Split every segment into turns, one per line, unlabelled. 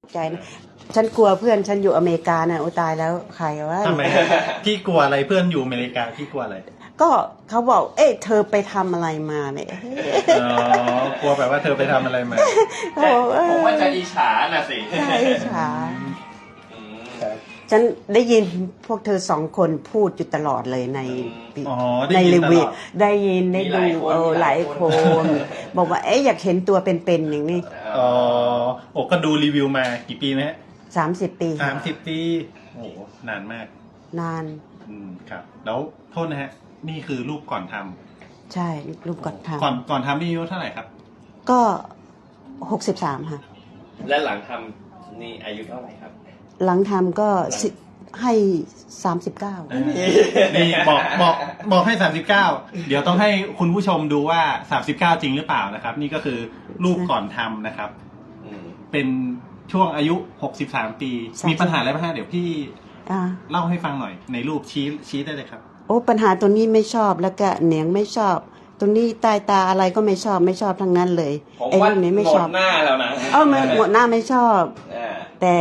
ใจนะฉันกลัวเพื่อนฉันอยู่อเมริกาน่ะโอ้ตายแล้วใครวะ
ทำไมพี่กลัวอะไรเพื่อนอยู่อเมริกาพี่กลัวอะไร
ก็เขาบอกเอ๊ะเธอไปทำอะไรมาเนี่ย
อ๋อกลัวแบบว่าเธอไปทำอะไรมา
ผมว่าจะอิจฉาน่ะสิ
ใช่อิจฉาฉันได้ยินพวกเธอสองคนพูดอยู่ตลอดเลยในรีวิวได้ยินได้ดูหลายคนบอกว่าเอ๊ะอยากเห็นตัวเป็นๆอย่างนี้
อ๋อโอ้ก็ดูรีวิวมากี่ปีนะฮะ
30 ปี
30 ปีโอ้นานมาก
นาน
ครับแล้วโทษนะฮะนี่คือรูปก่อนทำ
ใช่รูปก่อนทำ
ก่อนทำนี่อายุเท่าไหร่ครับ
ก็63ค่ะ
และหลังทำนี่อายุเท่าไหร่ครับ
หลังทำก็ให้39
นี่บอกให้39เดี๋ยวต้องให้คุณผู้ชมดูว่า39จริงหรือเปล่านะครับนี่ก็คือรูปก่อนทำนะครับเป็นช่วงอายุ63 ปีมีปัญหาอะไรบ้างฮะเดี๋ยวพี่เล่าให้ฟังหน่อยในรูปชี้ได้เลยครับ
โอ้ปัญหาตัวนี้ไม่ชอบแล้วก็เหนียงไม่ชอบตรงนี้ใต้ตาอะไรก็ไม่ชอบทั้งนั้นเลย
ไอ้เรื่องนี้ไม่ชอบหมดหน้าแล้วนะ
หมดหน้าไม่ชอบแต่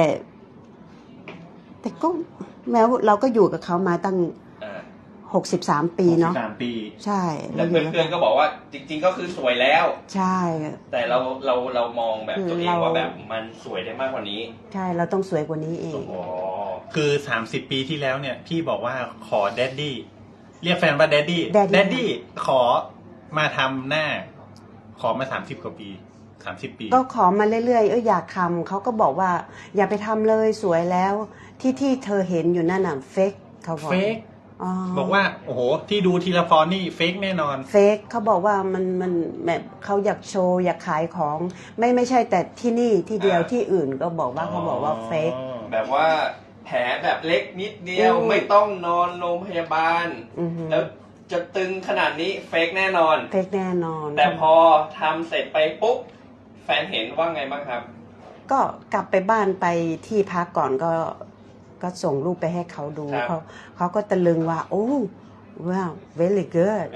ก็แม้เราก็อยู่กับเขามาตั้ง63 ปีเนาะ
63 ปี
ใช่
แล้วเพื่อนๆก็บอกว่าจริงๆก็คือสวยแล้ว
ใช่
แต่เรามองแบบตัวเองว่าแบบมันสวยได้มากกว่านี้
ใช่เราต้องสวยกว่านี้เอง
คือ30 ปีที่แล้วเนี่ยพี่บอกว่าขอแดดดี้เรียกแฟนว่าแดดดี้ขอมาทำหน้าขอมา30 กว่าปี30 ปี
ก็ขอมาเรื่อยๆอยากทำเขาก็บอกว่าอย่าไปทำเลยสวยแล้วที่เธอเห็นอยู่นั่นน่ะเฟกเขาบอก
เฟกบอกว่าโอ้โหที่ดูทีละฟอนนี่เฟกแน่นอน
เฟกเขาบอกว่ามันแบบเขาอยากโชว์อยากขายของไม่ใช่แต่ที่นี่ที่เดียวที่อื่นก็บอกว่าเขาบอกว่าเฟก
แบบว่าแผลแบบเล็กนิดเดียวไม่ต้องนอนโรงพยาบาลแล้วจะตึงขนาดนี้เฟกแน่นอน
เฟกแน่นอน
แต่พอทำเสร็จไปปุ๊บแฟนเห็นว่าไงบ้างครับ
ก็กลับไปบ้านไปที่พักก่อนก็ส่งรูปไปให้เขาดูเขาก็ตะลึงว่าโอ้ว้าว very good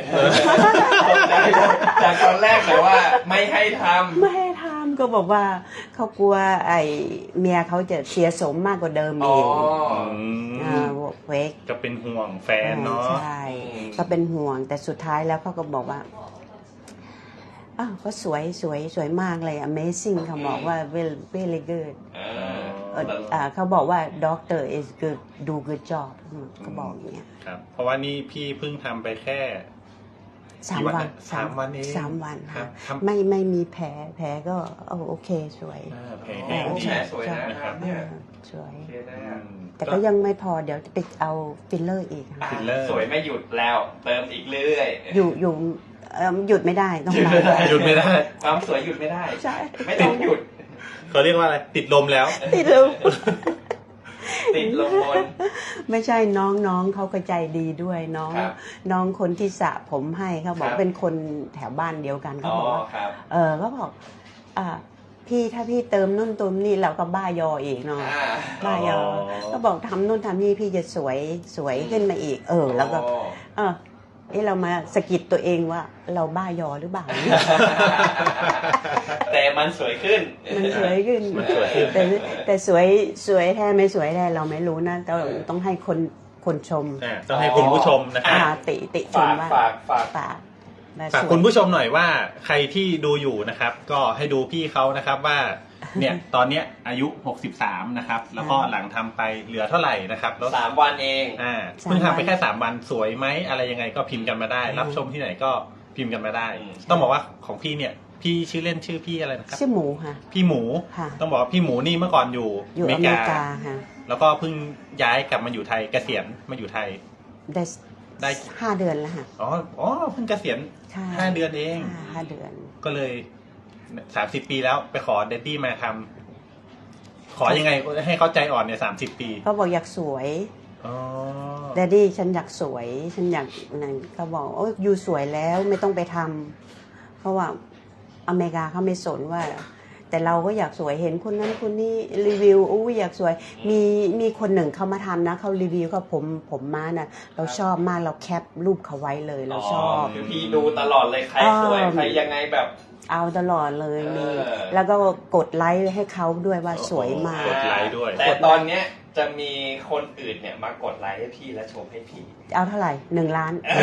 จากตอนแรกแต่ว่าไม่ให้ท
ำก็บอกว่าเขากลัวไอ้เมียเขาจะเสียสมมากกว่าเดิมอีกเวก
ก็เป็นห่วงแฟนเนาะ
ใช่ก็เป็นห่วงแต่สุดท้ายแล้วเขาก็บอกว่าก็สวยมากเลย amazing เขาบอกว่า very good เขาบอกว่า doctor is good do good job เขาบอกอย่างเงี้ย
ครับเพราะว่านี่พี่เพิ่งทำไปแค่
3 วัน
3 วันเอง
3 วันค่ะไม่มีแผลก็โอเคสวย
แผลสวยนะครับเนี่ย
สวยแต่ก็ยังไม่พอเดี๋ยวจะไปเอาฟิลเลอร์อีก
สวยไม่หยุดแล้วเติมอีกเรื่อย
อยู่หยุดไม่ได้ต้อง
หยุดไม่ได้
ความสวยหยุดไม่ได้
ใช่
ไม่ต้องหยุด
เขาเรียกว่าอะไรติดลมแล้ว
ติดลม
บน
ไม่ใช่น้องเขาก็ใจดีด้วยน้องคนที่สระผมให้เขาบอกเป็นคนแถวบ้านเดียวกันเขาบอกว่าเขาบอกพี่ถ้าพี่เติมนู่นเติมนี่เราก็บ้ายออีกเนาะบ้ายอก็บอกทำนู่นทำนี่พี่จะสวยขึ้นมาอีกแล้วก็เรามาสะกิดตัวเองว่าเราบ้ายอหรือเปล่า
แต่มันสวยขึ้น
แต่สวยแท้ไม่สวยแท้เราไม่รู้นะต้องให้คนชม
ต้องให้คุณผู้ชมนะครับ
ติชมว่าฝาก
คุณผู้ชมหน่อยว่าใครที่ดูอยู่นะครับก็ให้ดูพี่เขานะครับว่าเนี่ยตอนเนี้ยอายุ63นะครับแล้วก็หลังทำไปเหลือเท่าไหร่นะครับแล้ว
3 วันเอง
เพิ่งทำไปแค่3 วันสวยไหมอะไรยังไงก็พิมพ์กันมาได้รับชมที่ไหนก็พิมพ์กันมาได้ต้องบอกว่าของพี่เนี่ยพี่ชื่อเล่นชื่อพี่อะไรนะครับ
ชื่อหมูค่ะ
พี่หมูต้องบอกว่าพี่หมูนี่เมื่อก่อนอยู่
อเมริกาค่ะ
แล้วก็เพิ่งย้ายกลับมาอยู่ไทยเกษียณมาอยู่ไทย
ได้5 เดือนแล้วค่ะ
เพิ่งเกษียณ5 เดือนเอง
5 เดือน
ก็เลย30 ปีแล้วไปขอเดดดี้มาทำขอยังไงให้เขาใจอ่อนเนี่ย30 ปี
เขาบอกอยากสวยเดดดี้ฉันอยากสวยฉันอยากนั่นเขาบอกอยู่สวยแล้วไม่ต้องไปทำเพราะว่าอเมริกาเขาไม่สนว่าแต่เราก็อยากสวยเห็นคนนั้นคนนี้รีวิวอู้อยากสวยมีคนหนึ่งเขามาทำนะเขารีวิวกับผมมาน่ะเราชอบมากเราแคปรูปเขาไว้เลยเราชอบ
คือพี่ดูตลอดเลยใครสวยใครยังไงแบบ
เอาตลอดเลยมี
เออ
แล้วก็กดไลค์ให้เขาด้วยว่าสวยมาก
กดไลค์ด้วย
แต่ตอนเนี้ยจะมีคนอื่นเนี่ยมากดไลค์ให้พี่และชมให้พี่
เอาเท่าไหร่1 ล้าน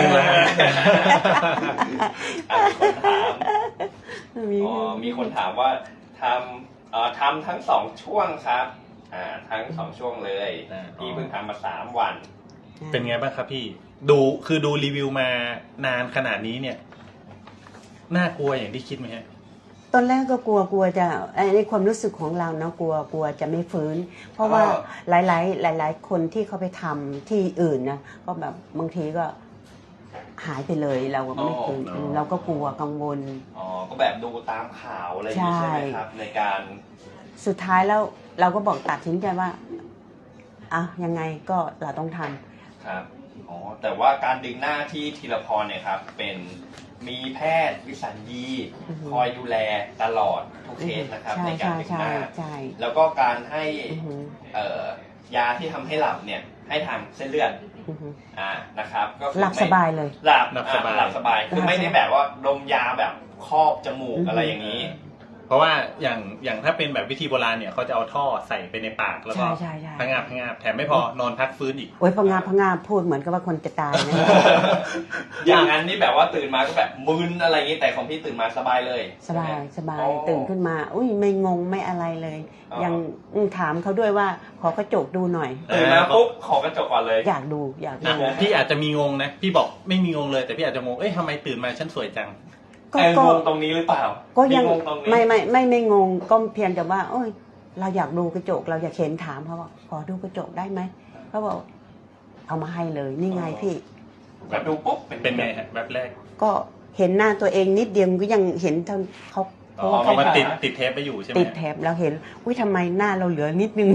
มีคนถามว่าทำทั้ง2ช่วงครับทั้ง2ช่วงเลย พี่เพิ่งทำมา3 วัน
เป็นไงบ้างครับพี่ดูรีวิวมานานขนาดนี้เนี่ยน่ากลัวอย่างที่คิดไหมฮะ
ตอนแรกก็กลัวจะในความรู้สึกของเราเนาะกลัวจะไม่ฟื้น เพราะว่าหลายคนที่เขาไปทำที่อื่นนะก็แบบบางทีก็หายไปเลยเราก็ไม่ฟื้นเราก็กลัวกังวล
ก็แบบดูตามข่าวอะไรอย่างนี้ใช่ไหมครับในการ
สุดท้ายแล้วเราก็บอกตัดสินใจว่ายังไงก็เราต้องทำ
ครับแต่ว่าการดึงหน้าที่ธีรพรเนี่ยครับเป็นมีแพทย์วิสัญญีคอยดูแลตลอดทุกเคสนะครับในการดึงหน้าแล้วก็การให้ยาที่ทำให้หลับเนี่ยให้ทางเส้นเลือดนะครับก็คือ
หลับสบายเลย
หลับสบายคือไม่ได้แบบว่าดมยาแบบครอบจมูกอะไรอย่างนี้
เพราะว่าอย่างถ้าเป็นแบบวิธีโบราณเนี่ยเขาจะเอาท่อใส่ไปในปากแล้วก็พะงาบแถมไม่พอนอนพักฟื้นอีก
โอ้ยพะงาบพูดเหมือนกับว่าคนจะตายนะ
อย่างนั้นนี่แบบว่าตื่นมาก็แบบมึนอะไรอย่างนี้แต่ของพี่ตื่นมาสบายเลย
สบายตื่นขึ้นมาอุ้ยไม่งงไม่อะไรเลยยังถามเขาด้วยว่าขอกระจกดูหน่อย
ตื่นมาปุ๊บขอกระจกก่อนเลย
อยากดู
พี่อาจจะมีงงนะพี่บอกไม่มีงงเลยแต่พี่อาจจะงงทำไมตื่นมาฉันสวยจัง
ก็งงตรงนี้หรือเปล่า
ก็ยังไม่งงก็เพียงแต่ว่าโอ้ยเราอยากดูกระจกเราอยากเห็นถามเขาว่าขอดูกระจกได้ไหมเขาบอกเอามาให้เลยนี่ไงพี่
แบบดูปุ๊บ
เป็นไงฮะแบบแรก
ก็เห็นหน้าตัวเองนิดเดียวก็ยังเห็นเขา
เขามาติดเทปไปอยู่ใช่ไหม
ติดเทปแล้วเห็นอุ้ยทำไมหน้าเราเหลือนิดนึง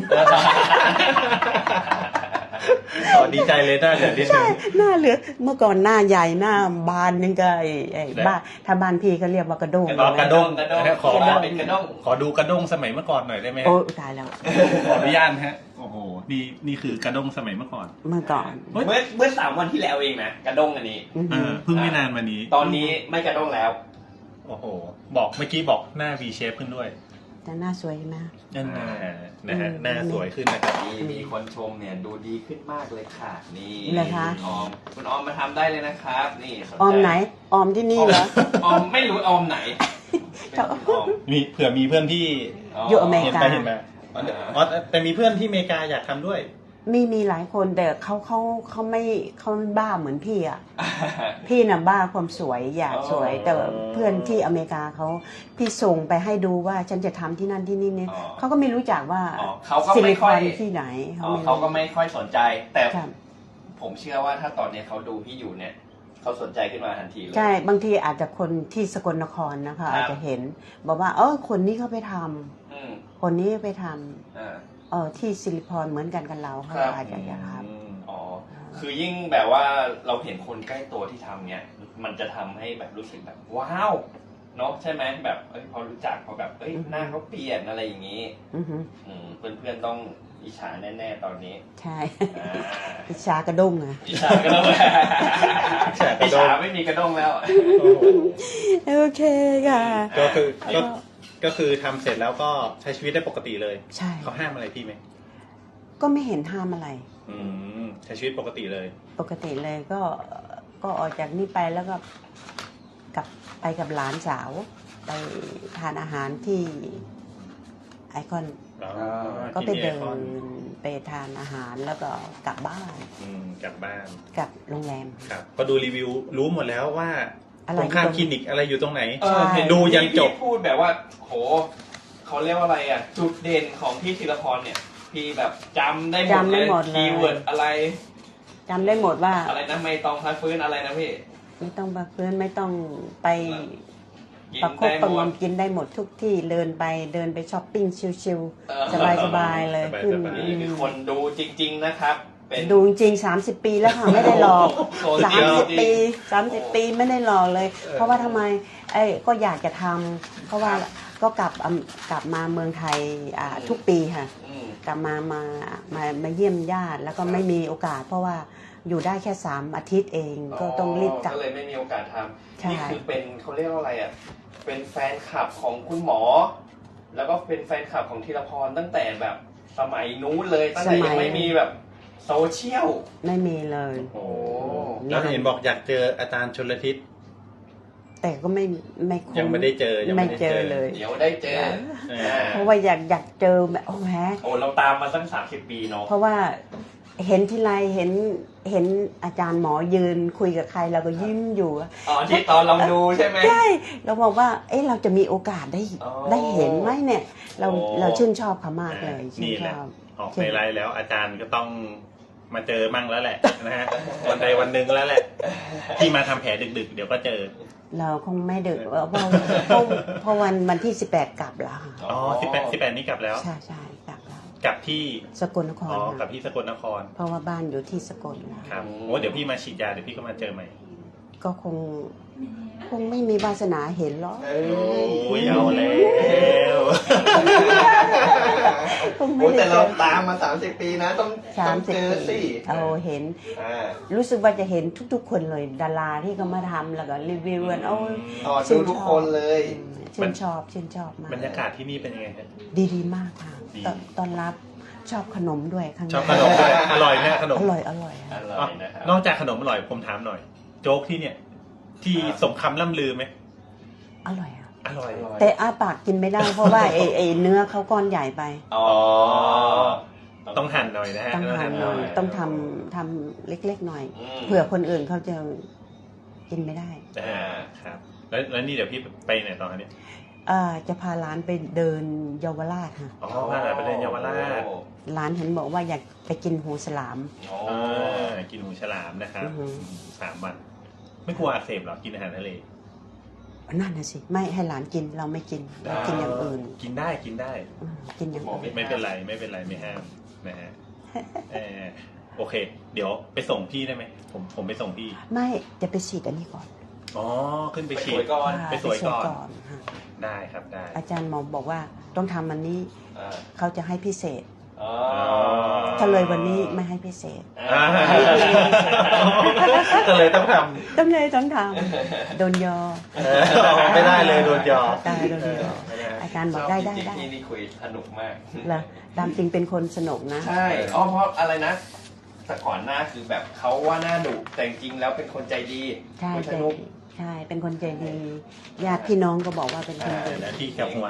ดีใจเลยหน้าเหลือนิดนึง
หน้าเหลือเมื่อก่อนหน้าใหญ่หน้าบานนึงก็ไอ้บ้าถ้าบ้านพี่เขาเรียกว่ากระด้ง
กระด้งขอดูกระด้งสมัยเมื่อก่อนหน่อยได้ไหม
โอ้ตายแล้ว
ขออนุญาตฮะโอ้โหนี่คือกระด้งสมัยเมื่อก่อน
เมื่อ
3 วันที่แล้วเองนะกระด้งอันนี้
เพิ่งไม่นานมานี้
ตอนนี้ไม่กระด้งแล้ว
โอ้โหเมื่อกี้บอกหน้า V shape ขึ้นด้วย
แต่หน้าสวยนะ
นะฮะหน้าสวยขึ้นนะครับ
มีคนชมเนี่ยดูดีขึ้นมากเลยค่ะนี่
เลยคะ
คุณออมมาทำได้เลยนะครับนี่
ออมไหนออมที่นี่เหรอ
ออมไม่รู้ออมไหน
มีเผื่อมีเพื่อนที่
อยู่อเมริกา
เห็นไหมแต่มีเพื่อนที่อเมริกาอยากทำด้วย
มีหลายคนแต่เขาไม่บ้าเหมือนพี่อ่ะ พี่น่ะบ้าความสวยอยากสวยแต่เพื่อนที่อเมริกาพี่ส่งไปให้ดูว่าฉันจะทำที่นั่นที่นี่เนี่ยเขาก็ไม่รู้จักว่า
ซิลิคอน
ที่ไหน
เขาก็ไม่ค่อยสนใจแต่ผมเชื่อว่าถ้าตอนนี้เขาดูพี่อยู่เนี่ยเขาสนใจขึ้นมาทันทีเลย
ใช่บางทีอาจจะคนที่สกลนครนะคะอาจจะเห็นบอกว่าคนนี้เขาไปทำคนนี้ไปทำที่ซิลิคอนเหมือนกันเราเขาอาจจะอยากท
ำคือยิ่งแบบว่าเราเห็นคนใกล้ตัวที่ทำเนี่ยมันจะทำให้แบบรู้สึกแบบว้าวเนาะใช่ไหมแบบพอรู้จักพอแบบหน้าเขาเปลี่ยนอะไรอย่างนี้เพื่อนๆต้องอิจฉาแน่ๆตอนนี้
ใช่อิจฉากระด้งอะ
อิจฉากระด้งอิจฉาไม่มีกระด้งแล้ว
โอเคค่ะ
ก็คือทำเสร็จแล้วก็ใช้ชีวิตได้ปกติเลย
ใช่
เขาห้ามอะไรพี่ไหม
ก็ไม่เห็นห้ามอะไร
ใช้ชีวิตปกติเลย
ปกติเลยก็ออกจากนี่ไปแล้วก็ไปกับหลานสาวไปทานอาหารที่ไอคอนก็ไปเดินไปทานอาหารแล้วก็กลับบ้าน
ก
ลับโรงแรม
ครับก็ดูรีวิวรู้หมดแล้วว่าตรงข้ามคลินิกอะไรอยู่ตรงไหนดูยันจบ
พูดแบบว่าโหเขาเรียกว่าอะไรอ่ะจุดเด่นของพี่ธีรพรเนี่ยพี่แบบจำได้หมดเลยคีย์เวิร์ดอะไร
จำได้หมดว่า
อะไรนะไม่ต้องพักฟื้นอะไรนะพี่
ไม่ต้องพักฟื้นไม่ต้องไปประคบประงมกินได้หมดทุกที่เดินไปช้อปปิ้งชิลๆสบายๆเลย
นี่คือคนดูจริงๆนะครับ
ดูจริง30 ปีแล้วค่ะไม่ได้หลอก30 ปีไม่ได้หลอกเลยเพราะว่าทำไมก็อยากจะทำเพราะว่าก็กลับมาเมืองไทยทุกปีค่ะกลับมาเยี่ยมญาติแล้วก็ไม่มีโอกาสเพราะว่าอยู่ได้แค่3 อาทิตย์เองก็ต้องรีบกลับ
ก็เลยไม่มีโอกาสทำนี่คือเป็นเขาเรียกว่าอะไรอ่ะเป็นแฟนคลับของคุณหมอแล้วก็เป็นแฟนคลับของธีรพรตั้งแต่แบบสมัยนู้นเลยตั้งแต่ยังไม่มีแบบโซเชียล
ไม่มีเลย
โอ้
แล้วเห็นบอกอยากเจออาจารย์ชลทิศ
แต่ก็ไม่
ยังไม่ได้เจอ
ไม่เจอเลย
เดี๋ยวได้เจอ
เพราะว่าอยากเจอแบบโอ้แหม
เราตามมาตั้ง30 ปีเนาะ
เพราะว่าเห็นทีไรเห็นอาจารย์หมอยืนคุยกับใครเราก็ยิ้มอยู่
ที่ตอนลองดูใช่ไหม
ใช่เราบอกว่าเราจะมีโอกาสได้เห็นไหมเนี่ยเราชื่นชอบเขามากเลยชื่นชอบ
ออกในไลน์แล้วอาจารย์ก็ต้องมาเจอมั่งแล้วแหละนะฮะวันใดวันหนึ่งแล้วแหละที่มาทำแผลดึกๆเดี๋ยวก็เจอ
เราคงไม่ดึกเพราะวันที่18กลับแล้ว
อ๋อ18นี้กลับแล้ว
ใช่กลับแล้ว
กลับที่
สกลนคร
กลับที่สกลนคร
เพราะว่าบ้านอยู่ที่สกล
ครับโอ้เดี๋ยวพี่มาฉีดยาเดี๋ยวพี่ก็มาเจอใหม่
ก็คงไม่มีวาสนาเห็นหรอก
โอ้ยเอาแล้ว
แต่เราตามมา30 ปีนะต้องเจอสิ
เห็นรู้สึกว่าจะเห็นทุกๆคนเลยดาราที่เขามาทำแล้วก็รีวิวกัน
ดูทุกคนเลย
ชื่นชอบมาก
บรรยากาศที่นี่เป็นยังไงครับ
ดีมากค่ะตอนรับชอบขนมด้วย
ชอบขนมด้วยอร่อยแม่ขนม
อร่อย
นะครับ
นอกจากขนมอร่อยผมถามหน่อยโจ๊กที่เนี่ยที่สมคำล่ำลือไหม
อร่อย
อร่อย
แต่อ้าปากกินไม่ได้เพราะว่าไอ้เนื้อเขาก้อนใหญ่ไป
ต้องหั่นหน่อยนะฮะ
ต้องหั่นหน่อยต้องทำเล็กๆหน่อยเผื่อคนอื่นเขาจะกินไม่ได้
ครับแล้วนี่เดี๋ยวพี่ไปไหนต่อเนี่ย
จะพาร้านไปเดินเยาวราชค่ะ
พาร้านไปเดินเยาวราช
ร้านเห็นบอกว่าอยากไปกินหูฉลาม
กินหูฉลามนะครับ3 วันไม่กลัวอักเสบหรอกินอาหารทะเล
นั่นน่ะสิไม่ให้หลานกินเราไม่กินเรากินอย่างอื่น
กินได้กินอย่าง
อื่น
ไม่เป็นไรไม่ห้ามนะฮะโอเคเดี๋ยวไปส่งพี่ได้ไหมผมไปส่งพี่
ไม่จะไปฉีดอันนี้ก่อน
ขึ้นไปฉีด
ก่อน
ไปสวยก่อนได้ครับได้
อาจารย์หมอบอกว่าต้องทำมันนี้เขาจะให้พิเศษถ้าเลยวันนี้ไม่ให้พิเศษ
ก็เลยต้องท
ำโดนยอ
ไม่ได้เลยโดนยอ
ได้โดนยออาจารย์บอกได้
ที่นี่คุยสนุกมาก
แล้วตามจริงเป็นคนสนุกนะ
ใช่เพราะอะไรนะแต่ก่อนหน้าคือแบบเขาว่าหน้าดุแต่จริงแล้วเป็นคนใจดี
สนุกใช่เป็นคนใจดีญาติพี่น้องก็บอกว่าเป็นคนดี
พี่กับหัว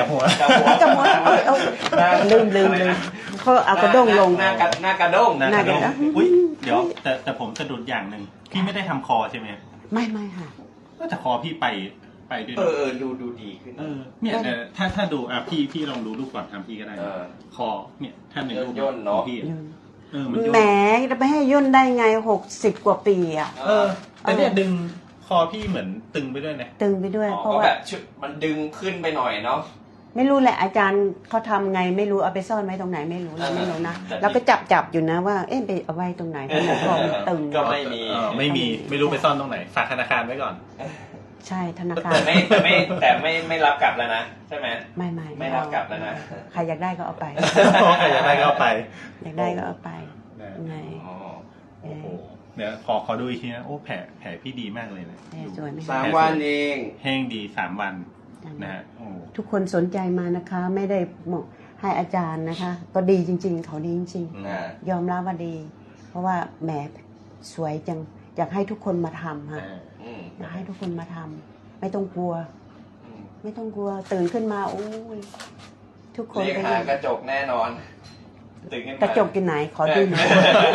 ลืมเขาเอากระด้งลง
หน้ากระด้ง
อุ้ยเดี๋ยวแต่ผมสะดุดอย่างหนึ่งพี่ไม่ได้ทำคอใช่ไหม
ไม่ค่ะ
ก็จะคอพี่ไปด้วย
ดูดีขึ้น
เนี่ยถ้าดูพี่ลองดูรูปก่อนทำพี่ก็ได้คอเนี่ยถ้าหนึ่งรูป
ย่นเนาะ
พี่
แหมจะไปให้ย่นได้ไง60 กว่าปีอ่ะ
แต่เนี่ยดึงคอพี่เหมือนตึงไปด้วยนะ
ตึงไปด้วย
เพราะว่าแบบมันดึงขึ้นไปหน่อยเนาะ
ไม่รู้แหละอาจารย์เขาทำไงไม่รู้เอาไปซ่อนไว้ตรงไหนไม่รู้นะแล้วก็จับอยู่นะว่าไปเอาไว้ตรงไหนเพราะคอมันตึง
ก็ไม่
ไม่รู้ไปซ่อนตรงไหนฝากธนาคารไว้ก่อน
ใช่ธนาคาร
แต่ไม่รับกลับแล้วนะใช่ไหมไม่รับกลับแล้วนะ
ใครอยากได้ก็เอาไป
ใครอยากได้ก็เอาไป
ไง
เนี่ยขอดูอีกทีนะโอ้แผลพี่ดีมากเลยนะ
สวยไหม
3 วันเอง
แห้งดี3 วันนะฮะ
ทุกคนสนใจมานะคะไม่ได้ให้อาจารย์นะคะก็ดีจริงๆเขาดีจริงๆยอมรับว่าดีเพราะว่าแหมสวยจังอยากให้ทุกคนมาทำค่ะอยากให้ทุกคนมาทำไม่ต้องกลัวตื่นขึ้นมาโอ้ยทุกคน
เรียกหากระจกแน่นอน
กระจกอยู่ไหนขอดูหน่อย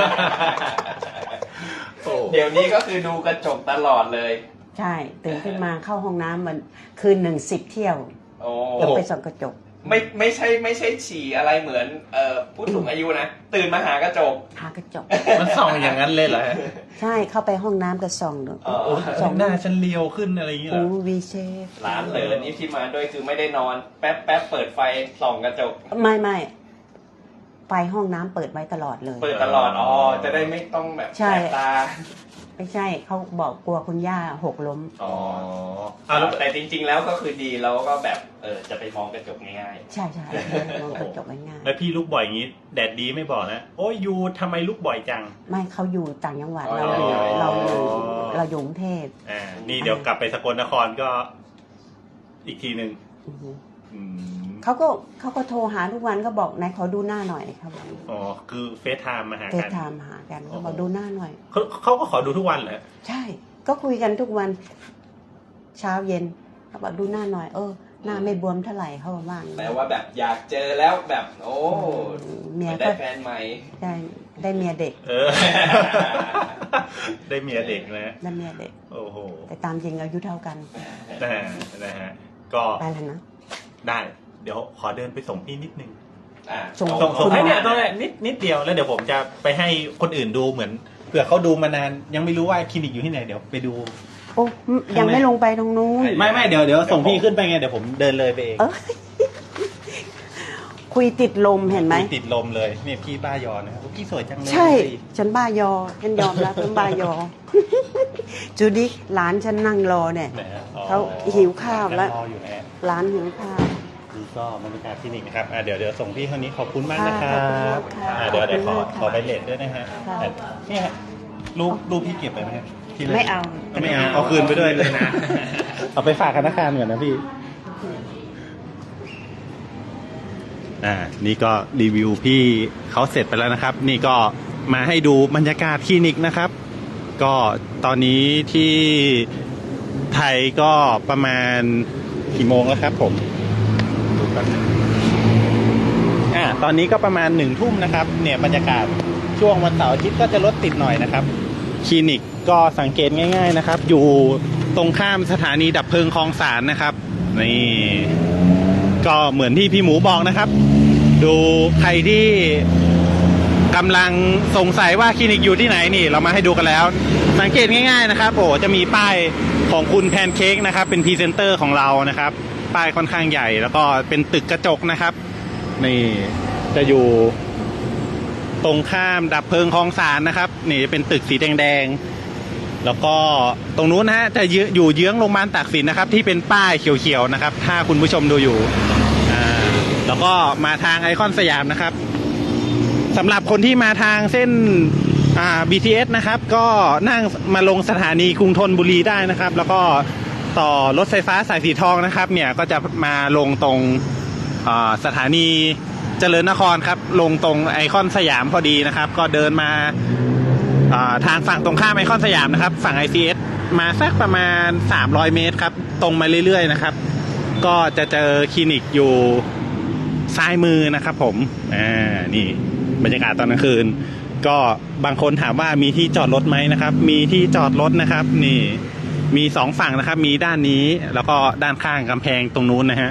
เดี๋ยวนี้ก็คือดูกระจกตลอดเลย
ใช่ตื่นขึ้นมาเข้าห้องน้ำมันคืน1 10 เที่ยวแล้วไปส่องกระจก
ไม่ใช่ฉี่อะไรเหมือนผู้สูงอายุนะตื่นมาหากระจก
มันส่องอย่างนั้นเลยเหรอ
ใช่เข้าไปห้องน้ำก็ส่องดู
ส่องหน้าฉันเลียวขึ้นอะไรอย่างเงี้ย
วีเชฟ
ร้านเลยนี่ที่มาด้วยคือไม่ได้นอนแป๊บเปิดไฟส่องกระจก
ไม่ไฟห้องน้ำเปิดไว้ตลอดเลย
เปิดตลอดจะได้ไม่ต้องแบบแสบตา
ไม่ใช่เขาบอกกลัวคุณย่าหกล้ม
อ๋อแต่จริงๆแล้วก็คือดีแล้วก็แบบจะไปมองกระจกง่ายๆ
ใช่ใช่มองกระจกง่าย
แล้วพี่ลุกบ่อยอย่างนี้แดดดีไม่บอกนะโอ้ยยูทำไมลุกบ่อยจัง
ๆไม่เขาอยู่ต่างจังหวัด
อ๋อ
เราอยู่กรุงเทพ
นี่เดี๋ยวกลับไปสกลนครก็อีกทีหนึ่ง
อือฮึ
อืม
เขาก็โทรหาทุกวันก็บอกนายขอดูหน้าหน่อยครับ
อ๋อคือเฟซไทม์มาหา
เฟซ
กัน
ไทม์หากันก็บอกดูหน้าหน่อย
เขาก็ขอดูทุกวันเหรอ
ใช่ ก็คุยกันทุกวันเช้าเย็นเขาบอกดูหน้าหน่อย หน้าไม่บวมเท่าไหร่เขาบอกว่า
แปลว่าแบบอยากเจอแล้วแบบโอ้
เมีย
ได้
ก็
แฟนใหม่
ได้เมียเด็ก
ได้เมียเด็กนะ
ได้เมียเด็ก
โอ้โห
แต่ตามจริงอายุเท่ากัน
นะฮะก็
ไปแล้วนะ
ได้เดี๋ยวขอเดินไปส่งพี่นิดนึง
ส่ง
ส่ง
คุณ
ให้เนี่ยตรงนี้นิดเดียวแล้วเดี๋ยวผมจะไปให้คนอื่นดูเหมือนเผื่อเขาดูมานานยังไม่รู้ว่าคลินิกอยู่ที่ไหนเดี๋ยวไปดู
โอ้ยังไม่ลงไปตรงนู้น
ไม่เดี๋ยวส่งพี่ขึ้นไปไงเดี๋ยวผมเดินเลยไปเอง
คุยติดลมเห็นไหม
ติดลมเลยเนี่ยพี่บ้ายอนะครับพี่สวยจังเลย
ใช่ ฉันบ้ายอ ฉันยอมรับฉันบ้ายอ จูดิหลานฉันนั่งรอเนี่ย
ไหนฮะอ๋อ
เขาหิวข้าวแล้ว
รออยู่นะฮะ
หลานหิวข้าว
นี่ก็บรรยากาศคลินิกนะครับเดี๋ยวส่งพี่คนนี้ขอบคุณมากนะครั
ค่ะ
บ
ขอบคุณมากค่ะ
เดี๋ยวขอ
ขอบคุณมากค่ะ
ขอไปเลทด้วยนะฮะ
ค่ะ
เนี่ยฮะรูปพี่เก็บไปไหมฮะที่ลย
ไม่เอา
ไม่เอาคืนไปด้วยเลยนะ เอาไปฝากธนาคารก่อนนะพี่ นี่ก็รีวิวพี่เขาเสร็จไปแล้วนะครับ นี่ก็มาให้ดูบรรยากาศคลินิกนะครับ ก็ตอนนี้ที่ไทยก็ประมาณกี่โมงแล้วครับผมดูแป๊บนึงตอนนี้ก็ประมาณ1 ทุ่มนะครับเนี่ยบรรยากาศช่วงวันเสาร์อาทิตย์ก็จะรถติดหน่อยนะครับคลินิกก็สังเกตง่ายๆนะครับอยู่ตรงข้ามสถานีดับเพลิงคลองสานนะครับนี่ก็เหมือนที่พี่หมูบอกนะครับดูใครที่กำลังสงสัยว่าคลินิกอยู่ที่ไหนนี่เรามาให้ดูกันแล้วสังเกตง่ายๆนะครับจะมีป้ายของคุณแพนเค้กนะครับเป็นพรีเซนเตอร์ของเรานะครับป้ายค่อนข้างใหญ่แล้วก็เป็นตึกกระจกนะครับนี่จะอยู่ตรงข้ามดับเพลิงคลองสานนะครับนี่เป็นตึกสีแดงๆแล้วก็ตรงนู้นนะฮะจะอยู่เยื้องโรงพยาบาลตากสินนะครับที่เป็นป้ายเขียวๆนะครับถ้าคุณผู้ชมดูอยู่แล้วก็มาทางไอคอนสยามนะครับสำหรับคนที่มาทางเส้นBTS นะครับก็นั่งมาลงสถานีกรุงธนบุรีได้นะครับแล้วก็ต่อรถไฟฟ้าสายสีทองนะครับเนี่ยก็จะมาลงตรงสถานีเจริญนครครับลงตรงไอคอนสยามพอดีนะครับก็เดินมาทางฝั่งตรงข้ามไอคอนสยามนะครับฝั่ง ICS มาสักประมาณ300 เมตรครับตรงมาเรื่อยๆนะครับก็จะเจอคลินิกอยู่ซ้ายมือนะครับผมนี่บรรยากาศตอนกลางคืนก็บางคนถามว่ามีที่จอดรถไหมนะครับมีที่จอดรถนะครับนี่มี2 ฝั่งนะครับมีด้านนี้แล้วก็ด้านข้างกำแพงตรงนู้นนะฮะ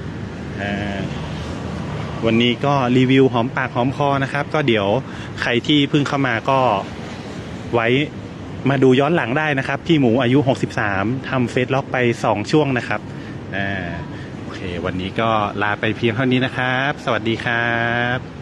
วันนี้ก็รีวิวหอมปากหอมคอนะครับก็เดี๋ยวใครที่เพิ่งเข้ามาก็ไว้มาดูย้อนหลังได้นะครับพี่หมูอายุ63ทำเฟซล็อกไป2 ช่วงนะครับโอเควันนี้ก็ลาไปเพียงเท่านี้นะครับสวัสดีครับ